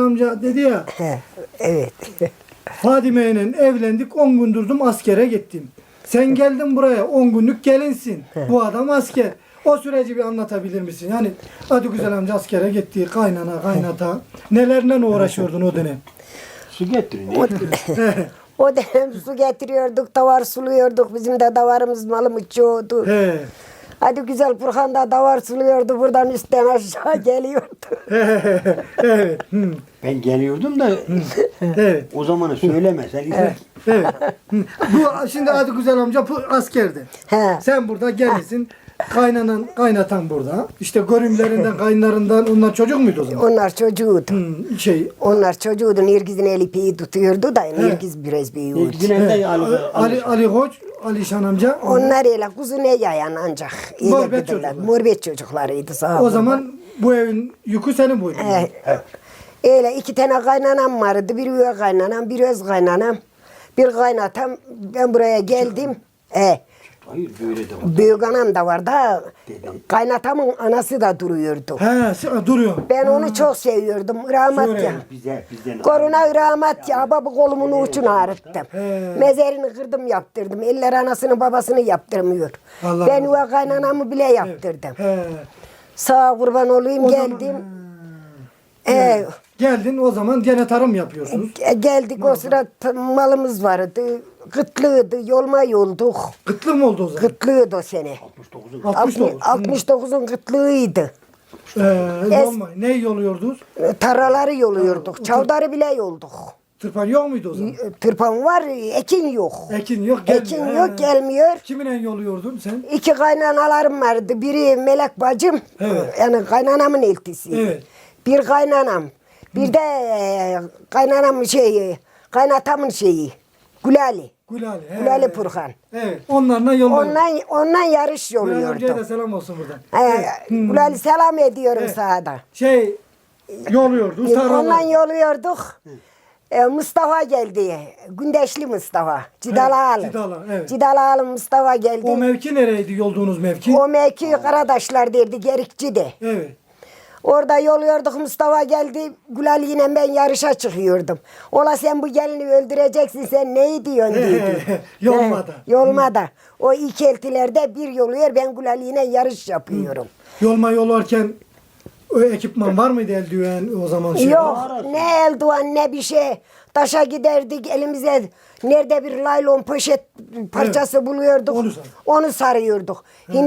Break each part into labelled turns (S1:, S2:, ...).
S1: amca dedi ya.
S2: Evet.
S1: Fadime ile evlendik, 10 gün durdum, askere gittim. Sen geldin buraya, 10 günlük gelinsin. Bu adam asker. O süreci bir anlatabilir misin? Yani hadi güzel amca askere gitti, kaynana, kaynata. Nelerle uğraşıyordun o dönem?
S3: Su getirin.
S2: O dönem su getiriyorduk, davar suluyorduk. Bizim de davarımız malımız çoğdu.
S1: He.
S2: Hadi güzel Burhan da davar suluyordu. Buradan üstten aşağı geliyordu.
S1: Evet.
S3: Ben geliyordum da
S1: Evet.
S3: o zamanı söyleme. Sen
S1: Evet. Bu şimdi hadi güzel amca bu askerdi.
S2: He.
S1: Sen burada gelirsin. Kaynanan, kaynatan burada. İşte görümlerinden, kaynlarından onlar çocuk muydu o zaman?
S2: Onlar çocuğuydu. Onlar çocuğuydu. Nirgiz'in eli piyi tutuyordu da Nirgiz biraz büyüyordu.
S3: Güneyde
S1: Ali Koç, Ali Şan amca.
S2: Onlar öyle kuzu ne yayan ancak.
S1: Muhabbet çocuklar.
S2: Muhabbet çocuklarıydı sağ
S1: O
S2: olun.
S1: zaman bu evin yükü senin boyun.
S2: Öyle 2 tane kaynanam vardı. Bir üvey kaynanam, bir öz kaynanam. Bir kaynatam. Ben buraya geldim.
S3: Hayır böyle de var.
S2: Büyük anam da var da kaynatamın anası da duruyordu.
S1: He, duruyor.
S2: Ben onu çok seviyordum. Rahmat ya.
S3: Bizden
S2: Koruna rahmat ya. Baba kolumun ucunu ağrıttım. Mezerini kırdım yaptırdım. Eller anasını babasını yaptırmıyor.
S1: Allah
S2: Ben
S1: Allah.
S2: üvey kaynanamı bile yaptırdım.
S1: He.
S2: Sağ kurban olayım
S1: O zaman-
S2: geldim.
S1: Geldin o zaman gene tarım yapıyorsunuz.
S2: Geldik o sıra malımız vardı. Kıtlıydı. Yolma yolduk.
S1: Kıtlık mı oldu o zaman?
S2: Kıtlıydı o sene.
S1: 69.
S2: 69'un kıtlığıydı.
S1: Yolma. Ne yoluyordunuz?
S2: Tarlaları yoluyorduk. Çavdarı bile yolduk.
S1: Tırpan yok muydu o zaman?
S2: Tırpan var, ekin yok.
S1: Ekin yok, gelmiyor.
S2: Ekin yok, gelmiyor.
S1: Kiminle yoluyordun sen?
S2: 2 kaynanalarım vardı. Biri Melek bacım.
S1: Evet.
S2: Yani kaynanamın eltisi.
S1: Evet.
S2: Bir kaynanam. Bir de kaynanamın kaynatamın Gülali.
S1: Gülali.
S2: Gülali Purhan.
S1: Evet. Onlarla yoluyordun.
S2: Ondan yarış
S1: Gülali amcaya
S2: yoluyordum.
S1: da selam olsun buradan.
S2: Gülali selam ediyorum
S1: Evet.
S2: sana da.
S1: Yoluyordu.
S2: Ondan yoluyorduk. Mustafa geldi. Gündeşli Mustafa. Cidalalı.
S1: Evet.
S2: Cidalalı Mustafa geldi.
S1: O mevki nereydi yolduğunuz mevki?
S2: O mevki Karadaşlar derdi, Gerikçi'de.
S1: Evet.
S2: Orada yoluyorduk, Mustafa geldi. Gülal yine ben yarışa çıkıyordum. Ola sen bu gelini öldüreceksin, sen neyi diyorsun dedi.
S1: Yolmada.
S2: Yolmada. O ilk eltilerde bir yoluyor, ben Gülal yine yarış yapıyorum.
S1: Yolma yolarken o ekipman var mıydı eldiven o zaman?
S2: Yok, ne eldiven ne bir şey. Taşa giderdik elimize nerede bir laylon poşet parçası buluyorduk. Onu sarıyorduk.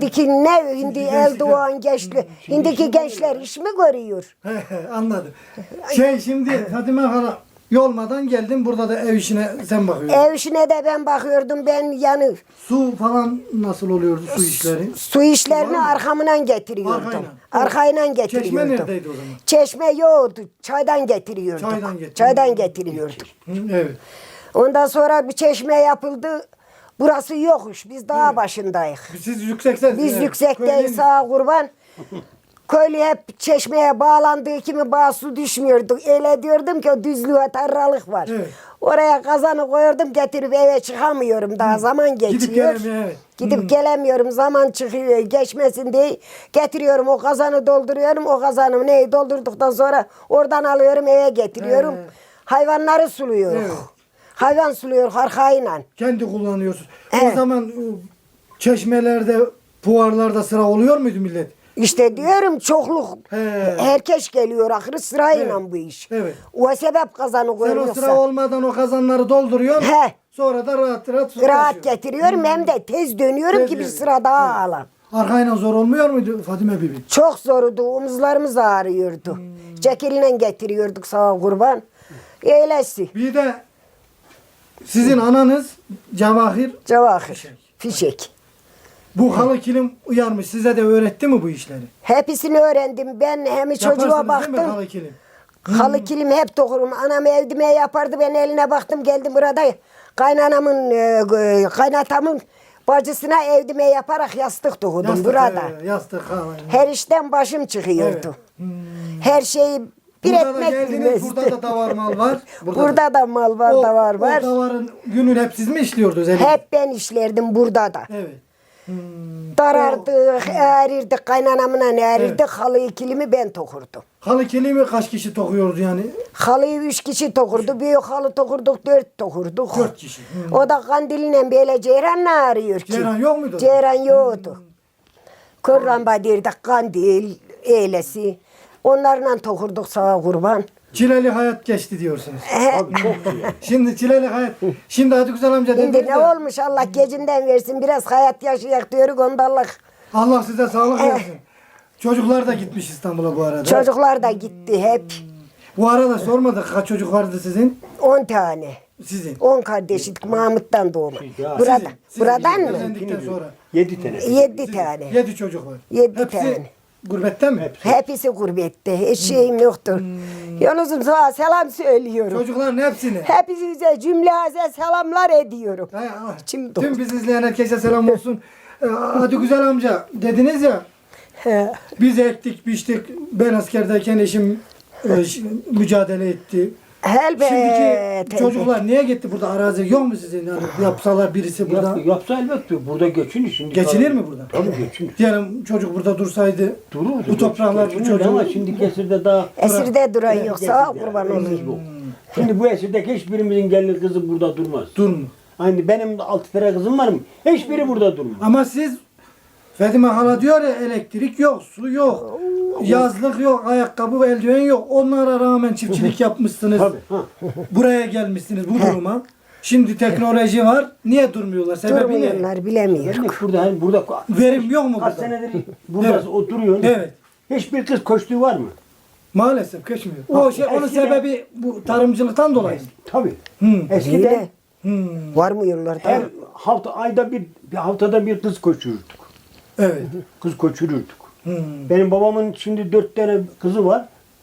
S2: Hindi eldiven gençler. Hindiki gençler iş mi görüyor?
S1: Anladım. Şimdi Fatime hala yolmadan geldin burada da ev işine sen bakıyordun.
S2: Ev işine de ben bakıyordum. Ben yani
S1: Su falan nasıl oluyordu su işleri?
S2: su işlerini arkamdan getiriyordum. Arkayla getiriyordum.
S1: Çeşme neredeydi o zaman?
S2: Çeşme yoktu. Çaydan getiriyordum. Çaydan getiriyordum.
S1: Evet.
S2: Ondan sonra bir çeşme yapıldı. Burası yokmuş. Biz dağ başındayız.
S1: Siz yüksekseniz.
S2: Biz yüksekteyiz sağa kurban. Köylü hep çeşmeye bağlandığı kimi bağ su düşmüyordu. Öyle diyordum ki o düzlüğe tarlalık var.
S1: Evet.
S2: Oraya kazanı koyuyordum getirip eve çıkamıyorum daha zaman geçiyor.
S1: Gidip gelemiyor, evet.
S2: Gidip gelemiyorum zaman çıkıyor geçmesin diye getiriyorum o kazanı dolduruyorum o kazanı neyi doldurduktan sonra oradan alıyorum eve getiriyorum. Hayvanları suluyorum.
S1: Evet.
S2: Hayvan suluyor arkayla.
S1: Kendi kullanıyorsunuz.
S2: Evet.
S1: O zaman çeşmelerde, fuarlarda sıra oluyor muydu millet?
S2: İşte diyorum çokluk. Herkes geliyor ahırı sırayla bu iş.
S1: Evet.
S2: O sebep kazanı
S1: Sen o
S2: koyuyorsa.
S1: sıra olmadan o kazanları dolduruyorsun. Sonra da rahat rahat su
S2: Rahat
S1: taşıyorsun.
S2: getiriyorum hem de tez dönüyorum
S1: Tez
S2: ki bir
S1: geliyor.
S2: sıra daha alam.
S1: Arkayla zor olmuyor muydu Fatime Bibi?
S2: Çok zordu. Omuzlarımız ağrıyordu. Cekeline getiriyorduk sağ kurban. Eylesi.
S1: Bir de sizin ananız Cevahir.
S2: Cevahir. Fişek.
S1: Bu halı kilim uyarmış. Size de öğretti mi bu işleri?
S2: Hepsini öğrendim. Ben hem çocuğa
S1: Yaparsınız değil mi
S2: baktım.
S1: halı kilim?
S2: Halı kilim hep dokurum. Anam evdime yapardı. Ben eline baktım geldim burada. Kaynatamın bacısına evdime yaparak yastık dokudum
S1: Yastık,
S2: burada.
S1: Yastık halı.
S2: Her işten başım çıkıyordu.
S1: Evet.
S2: Her şeyi bir
S1: Burada da
S2: etmek
S1: geldiniz,
S2: bilmezdi.
S1: burada da davar mal var.
S2: Burada da mal var, davar var.
S1: O davarın gününü hep siz mi işliyordunuz?
S2: Hep ben işlerdim burada da.
S1: Evet.
S2: Darardık, erirdik, kaynanamla erirdik. Halıyı kilimi ben tokurdum.
S1: Halı kelime kaç kişi tokuyordu yani?
S2: Halıyı 3 kişi tokurdu. Büyük halı tokurduk, 4 tokurduk.
S1: 4 kişi.
S2: O da kandiliyle böyle ceyranla arıyor ki.
S1: Ceyran yok muydu?
S2: Ceyran yoktu. Kör lamba derdik, kandil, eylesi. Onlarla tokurduk sağa kurban.
S1: Çileli hayat geçti diyorsunuz.
S3: Abi çok iyi.
S1: Şimdi çileli hayat. Şimdi hadi güzel amca
S2: Şimdi
S1: dediniz
S2: ne
S1: ya,
S2: olmuş Allah gecinden versin. Biraz hayat yaşayak diyoruz ondallık.
S1: Allah size sağlık versin. Çocuklar da gitmiş İstanbul'a bu arada.
S2: Çocuklar da gitti hep.
S1: Bu arada sormadık kaç çocuk vardı sizin?
S2: 10 tane.
S1: Sizin.
S2: 10 kardeşlik Mahmut'tan doğma.
S3: Ya,
S2: Burada,
S1: Sizin
S2: buradan mı?
S1: evlendikten sonra.
S3: 7 tane.
S2: 7 tane.
S1: 7 çocuk var.
S2: 7
S1: Hepsi
S2: tane.
S1: gurbette mi?
S2: Hepsi gurbette. Hiç şeyim yoktur. Yalnızım sana selam söylüyorum.
S1: Çocukların hepsini.
S2: Hepinize cümleze selamlar ediyorum. İçim
S1: Tüm
S2: doldu.
S1: bizi izleyen herkese selam olsun. Hadi güzel amca dediniz ya,
S2: He.
S1: biz ektik biçtik, ben askerdeyken eşim mücadele etti.
S2: Elbet.
S1: Şimdiki çocuklar niye gitti, burada arazi yok mu sizin? Yani yapsalar birisi burada.
S3: Yapsa elbette burada geçinir şimdi.
S1: Geçinir mi burada?
S3: Tabii geçinir.
S1: Diyelim çocuk burada dursaydı,
S3: Dururdu.
S1: bu topraklar bu
S3: Geçinir
S1: çocuğu.
S3: ama şimdi esirde daha...
S2: Esirde duran yoksa
S3: Esirde
S2: kurban
S3: yani,
S2: olayım.
S3: yok. Şimdi bu esirdeki hiçbirimizin gelin kızı burada durmaz.
S1: Durmu.
S3: Hani benim de 6 tane kızım var mı? Hiçbiri burada durmaz.
S1: Ama siz, Fadime hala diyor ya, elektrik yok, su yok, yazlık yok, ayakkabı ve eldiven yok. Onlara rağmen çiftçilik yapmışsınız.
S3: Tabii. Ha.
S1: Buraya gelmişsiniz bu duruma. Şimdi teknoloji var. Niye durmuyorlar? Sebebi ne?
S2: Durmuyorlar bilemiyorum.
S3: Demek burada hani burada
S1: Verim yok mu
S3: kaç
S1: burada?
S3: senedir burada
S1: Evet.
S3: oturuyorsun.
S1: Evet.
S3: Hiçbir kız koştuğu var mı?
S1: Maalesef geçmiyor.
S3: Ha,
S1: O şey, onun
S3: eskiden-
S1: sebebi bu tarımcılıktan dolayı.
S3: Tabii.
S1: Hmm.
S3: Eskiden
S2: Öyle. Var mı yollarda?
S3: her ayda bir haftada bir kız koşururduk.
S1: Evet.
S3: Kız koşururduk.
S1: Hmm.
S3: Benim babamın şimdi 4 tane kızı var.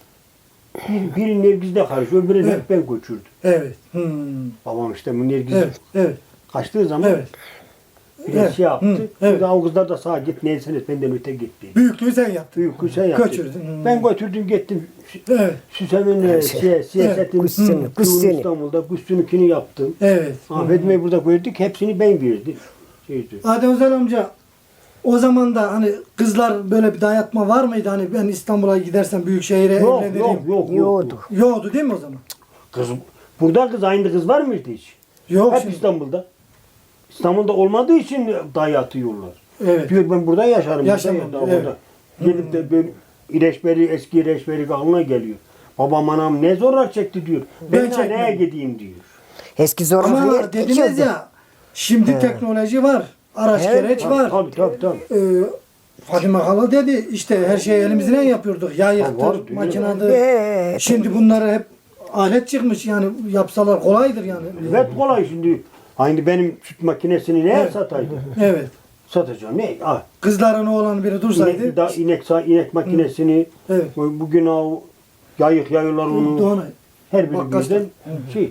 S3: Biri Nergiz'de karışıyor, öbürünü
S1: Evet.
S3: hep ben koşurdum.
S1: Evet.
S3: Babam işte bu Nergiz
S1: Evet. Evet.
S3: kaçtığı zaman
S1: Evet.
S3: biraz
S1: Evet.
S3: şey yaptı.
S1: Hı, evet.
S3: Bir daha o kızlar da sağa git neyse et benden öte git dedi.
S1: Büyüklüğü sen yaptın.
S3: Büyük sen yaptı.
S1: Götürdün. Hı.
S3: Ben götürdüm gittim.
S1: Evet.
S3: Süsemin siyasetin
S2: Kussunu, kussunu.
S3: İstanbul'da Kussunu yaptım.
S1: Evet.
S3: Ahmet Bey burada gördük. Hepsini ben verdim. Şeydi.
S1: Adem Özel amca, o zaman da hani kızlar böyle bir dayatma var mıydı? Hani ben İstanbul'a gidersem büyük şehire
S3: Yok
S1: evlenirim.
S3: yok yok.
S2: Yoktu.
S1: Yoktu değil mi o zaman?
S3: Kız, burada kız aynı kız var mıydı hiç?
S1: Yok
S3: Hep
S1: şimdi.
S3: İstanbul'da. İstanbul'da olmadığı için dayatıyorlar.
S1: Evet.
S3: Diyor ben burada yaşarım.
S1: Yaşamam,
S3: Burada,
S1: evet.
S3: orada. Gelip de ben eski İreçberi aklına geliyor. Babam anam ne zorlar çekti diyor. Ben neye
S1: çekmedim.
S3: gideyim diyor.
S2: Eski zorluk
S1: Ama
S2: yer
S1: dediniz
S2: geçiyordu.
S1: ya, şimdi teknoloji var. Araç gereç var.
S3: Tabii.
S1: Fadime hala dedi işte her şeyi elimizden yapıyorduk.
S3: Ha, var,
S1: Yayıktır,
S3: değil
S1: makinedir.
S2: Evet.
S1: Şimdi bunları hep alet çıkmış yani, yapsalar kolaydır yani.
S3: Evet kolay şimdi. Aynı benim süt makinesini neye
S1: Evet.
S3: sataydım?
S1: Evet.
S3: Satacağım. Ne? Ah,
S1: Kızların oğlan biri dursaydı.
S3: inek makinesini
S1: Evet.
S3: bugün o yayıyorlar onu.
S1: Doğru.
S3: Her
S1: Bak,
S3: birimizden şey.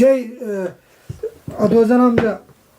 S1: Adı Özen amca,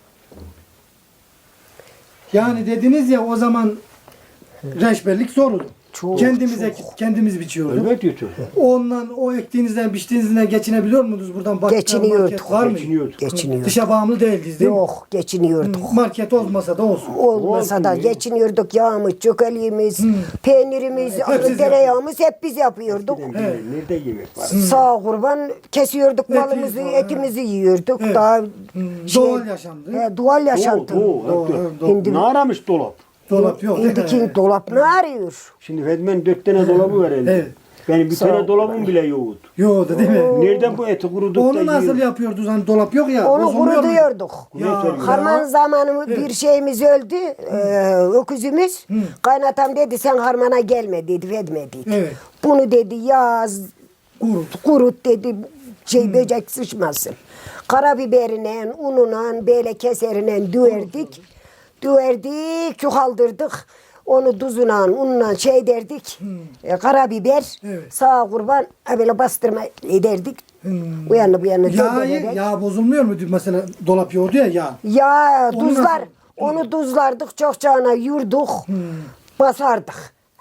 S1: yani dediniz ya o zaman reçberlik zordu.
S2: Çok,
S1: Kendimiz biçiyorduk.
S3: Evet diyor.
S1: Ondan, o ektiğinizden biçtiğinizden geçinebiliyor muydunuz? Buradan bakkal,
S2: Geçiniyorduk.
S1: market var mı?
S3: Geçiniyorduk.
S2: Geçiniyorduk.
S1: Dışa bağımlı değildiz değil mi?
S2: Yok geçiniyorduk.
S1: Market olmasa da olsun.
S2: Olmasa da
S3: Olsun.
S2: geçiniyorduk. Yağımız, çökeliğimiz, peynirimiz,
S1: Hepsi
S2: tereyağımız hep biz yapıyorduk.
S3: Nerede yemek var?
S2: Sağ kurban kesiyorduk
S1: Eti
S2: malımızı,
S1: falan,
S2: etimizi yiyorduk.
S1: Evet.
S2: Daha
S1: Doğal yaşamdı.
S2: doğal yaşantı.
S3: Ne aramış dolap?
S1: Dolap yok.
S2: Şimdiki dolap ne arıyor?
S3: Şimdi Fedmen 4 tane dolabı var elinde.
S1: Evet.
S3: Benim bir
S2: Sağ
S3: tane
S2: ol.
S3: dolabım bile yoktu.
S1: Yoktu değil mi?
S3: Nereden bu eti kuruduk
S1: Onu
S3: da
S1: nasıl
S3: yiyoruz?
S1: yapıyordunuz? Hani dolap yok ya.
S2: Onu
S1: bozulmuyor mu?
S2: kurutuyorduk.
S3: Ya.
S2: Harman zamanı bir şeyimiz öldü. Öküzümüz. Kaynatam dedi sen harmana gelme dedi, verme dedi.
S1: Evet.
S2: Bunu dedi yaz, kurut dedi, böcek sıçmasın. Karabiberine, ununa, böyle keserine düverdik. Düverdik, çukaldırdık. Onu tuzuna, ununa derdik. Karabiber,
S1: Evet.
S2: sağ kurban, böyle bastırma ederdik. Bu yana bu yana döndürerek.
S1: Yağ bozulmuyor mu? Mesela dolap yoğurdu ya yağ.
S2: Ya
S1: Onu
S2: tuzlar,
S1: nasıl-
S2: onu tuzlardık, çok cana yurduk, basardık.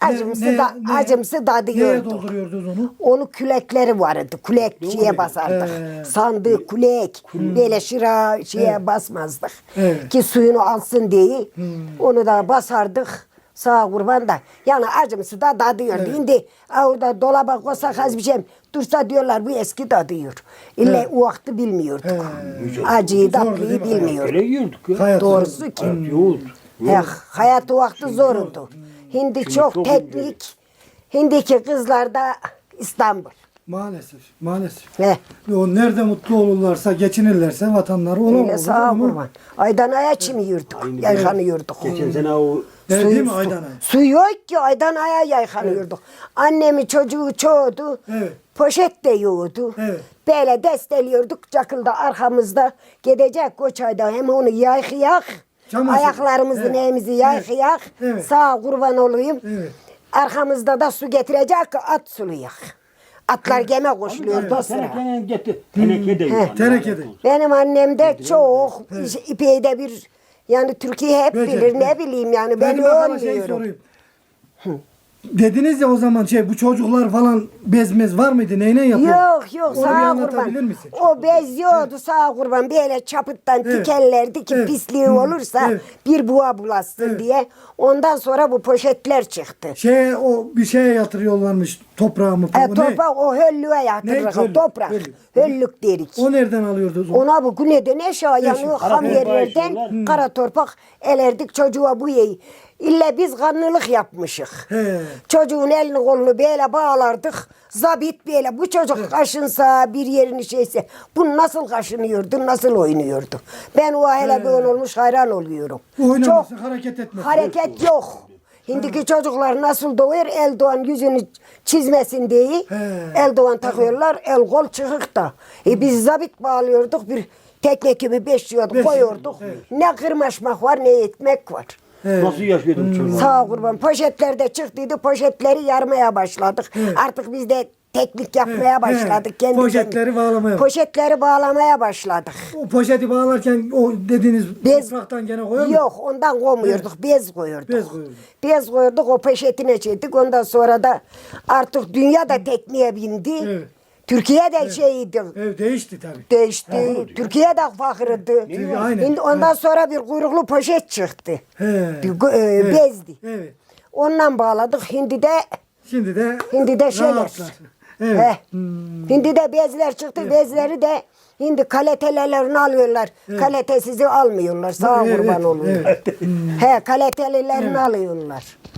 S2: acımsı tadı
S1: Neye
S2: yiyorduk.
S1: dolduruyordunuz onu?
S2: Onu külekleri vardı. Kulek şeye basardık. Sandığı kulek. Böyle şeye basmazdık.
S1: Evet.
S2: Ki suyunu alsın diye. Onu da basardık. Sağ kurban da. Yani acımsı da tadıyordu. Şimdi orada dolaba koysak az bir şey dursa diyorlar bu eski tadıyor. İlle o vakti bilmiyorduk. Acıyı
S1: Zordu
S2: tatlıyı
S1: değil mi?
S2: bilmiyorduk.
S3: Öyle yiyorduk ya.
S1: Hayat
S2: Doğrusu ki.
S3: Hayat yoğurt.
S2: Hayat o vakti zordu. Şimdi çok
S3: çok
S2: teknik. Şimdiki kızlar da İstanbul.
S1: Maalesef. Maalesef.
S2: He.
S1: O nerede mutlu olurlarsa, geçinirlerse vatanları
S2: Öyle
S1: olamaz.
S2: sağ kurban. Aydan aya çimiyorduk. Yaykanıyorduk.
S3: Geçen sene o
S1: Değil mi Aydan Ay?
S2: Su yok ki aydan aya yaykanıyorduk. Annemi çocuğu çoğdu.
S1: Evet.
S2: Poşet de yoğurdu.
S1: Evet.
S2: Böyle desteliyorduk çakılda arkamızda. Gidecek koçayda hem onu yaykayak.
S1: Çamaşır.
S2: Ayaklarımızı
S1: Evet.
S2: neyimizi yaykayak.
S1: Evet.
S2: Sağ kurban olayım.
S1: Evet.
S2: Arkamızda da su getirecek ki at sulayak. Atlar geme koşuluyordu o sıra.
S3: tenekeden getir. Teneke de yok.
S1: Tenekede.
S2: Benim annem de çok ipeyi de bir yani Türkiye hep
S1: Böcek,
S2: bilir ne
S1: evet.
S2: bileyim yani ben
S1: Peki bakalım
S2: ölmüyorum.
S1: sorayım. Dediniz ya o zaman bu çocuklar falan bezmez var mıydı? Neyle yapıyor?
S2: Yok
S1: Onu bir
S2: sağ
S1: anlatabilir
S2: kurban.
S1: misin?
S2: O bez yiyordu sağ kurban böyle çapıttan
S1: Evet.
S2: tikellerdi ki
S1: Evet.
S2: pisliği olursa
S1: Evet.
S2: bir buğa bulaşsın
S1: Evet.
S2: diye. Ondan sonra bu poşetler çıktı.
S1: O bir şeye yatırıyorlarmış toprağı mı? Bu ne?
S2: Toprak o höllüğe
S1: Ne?
S2: yatırırız
S1: Höllük,
S2: toprak.
S1: höllük.
S2: Höllük derik.
S1: O nereden alıyordunuz?
S2: Ona bu neden eşya yani
S1: Eşya.
S2: ham
S3: Kara
S2: yerlerden
S3: torpağı
S2: kara torpak elerdik çocuğa bu yeyi. İlle biz kanlılık yapmışık.
S1: He.
S2: Çocuğun elini kolunu böyle bağlardık. Zabit böyle bu çocuk kaşınsa bir yerini şeyse bu nasıl kaşınıyordu nasıl oynuyordu. Ben o hele böyle olmuş hayran oluyorum.
S1: Oynaması, hareket etmesi.
S2: Hareket yok. Şimdiki çocuklar nasıl doğuyor? Eldoğan yüzünü çizmesin diye eldoğan takıyorlar. El kol çıkık da. Biz zabit bağlıyorduk bir tekne gibi beşliyorduk koyuyorduk. Ne kırmaşmak var ne etmek var.
S3: nasıl yaşıyordum çocuklar?
S2: Sağ kurban. Poşetlerde çıktıydı. Poşetleri yarmaya başladık. Artık biz de teknik yapmaya başladık. Kendi
S1: Poşetleri bağlamaya.
S2: Poşetleri bağlamaya başladık.
S1: O poşeti bağlarken o dediğiniz topraktan gene koyuyor mu?
S2: Yok ondan koymuyorduk. Bez koyuyorduk.
S1: Bez koyuyorduk.
S2: Bez koyuyorduk o poşetine çektik. Ondan sonra da artık dünya da tekniğe bindi.
S1: Evet.
S2: Türkiye de şeydi.
S1: Evet, değişti tabii.
S2: Değişti. Türkiye de fakirdi.
S1: Aynen.
S2: Şimdi ondan sonra bir kuyruklu poşet çıktı.
S1: He.
S2: Bezdi.
S1: Evet.
S2: Ondan bağladık. Şimdi
S1: de
S2: şeyler.
S1: rahatlar. Evet.
S2: He. Şimdi de bezler çıktı. Bezleri de şimdi kalitelerini alıyorlar. Kalitesizi almıyorlar. Sağ
S1: Evet,
S2: kurban
S1: evet,
S2: oluyor.
S1: evet.
S2: He, kalitelilerini alıyorlar.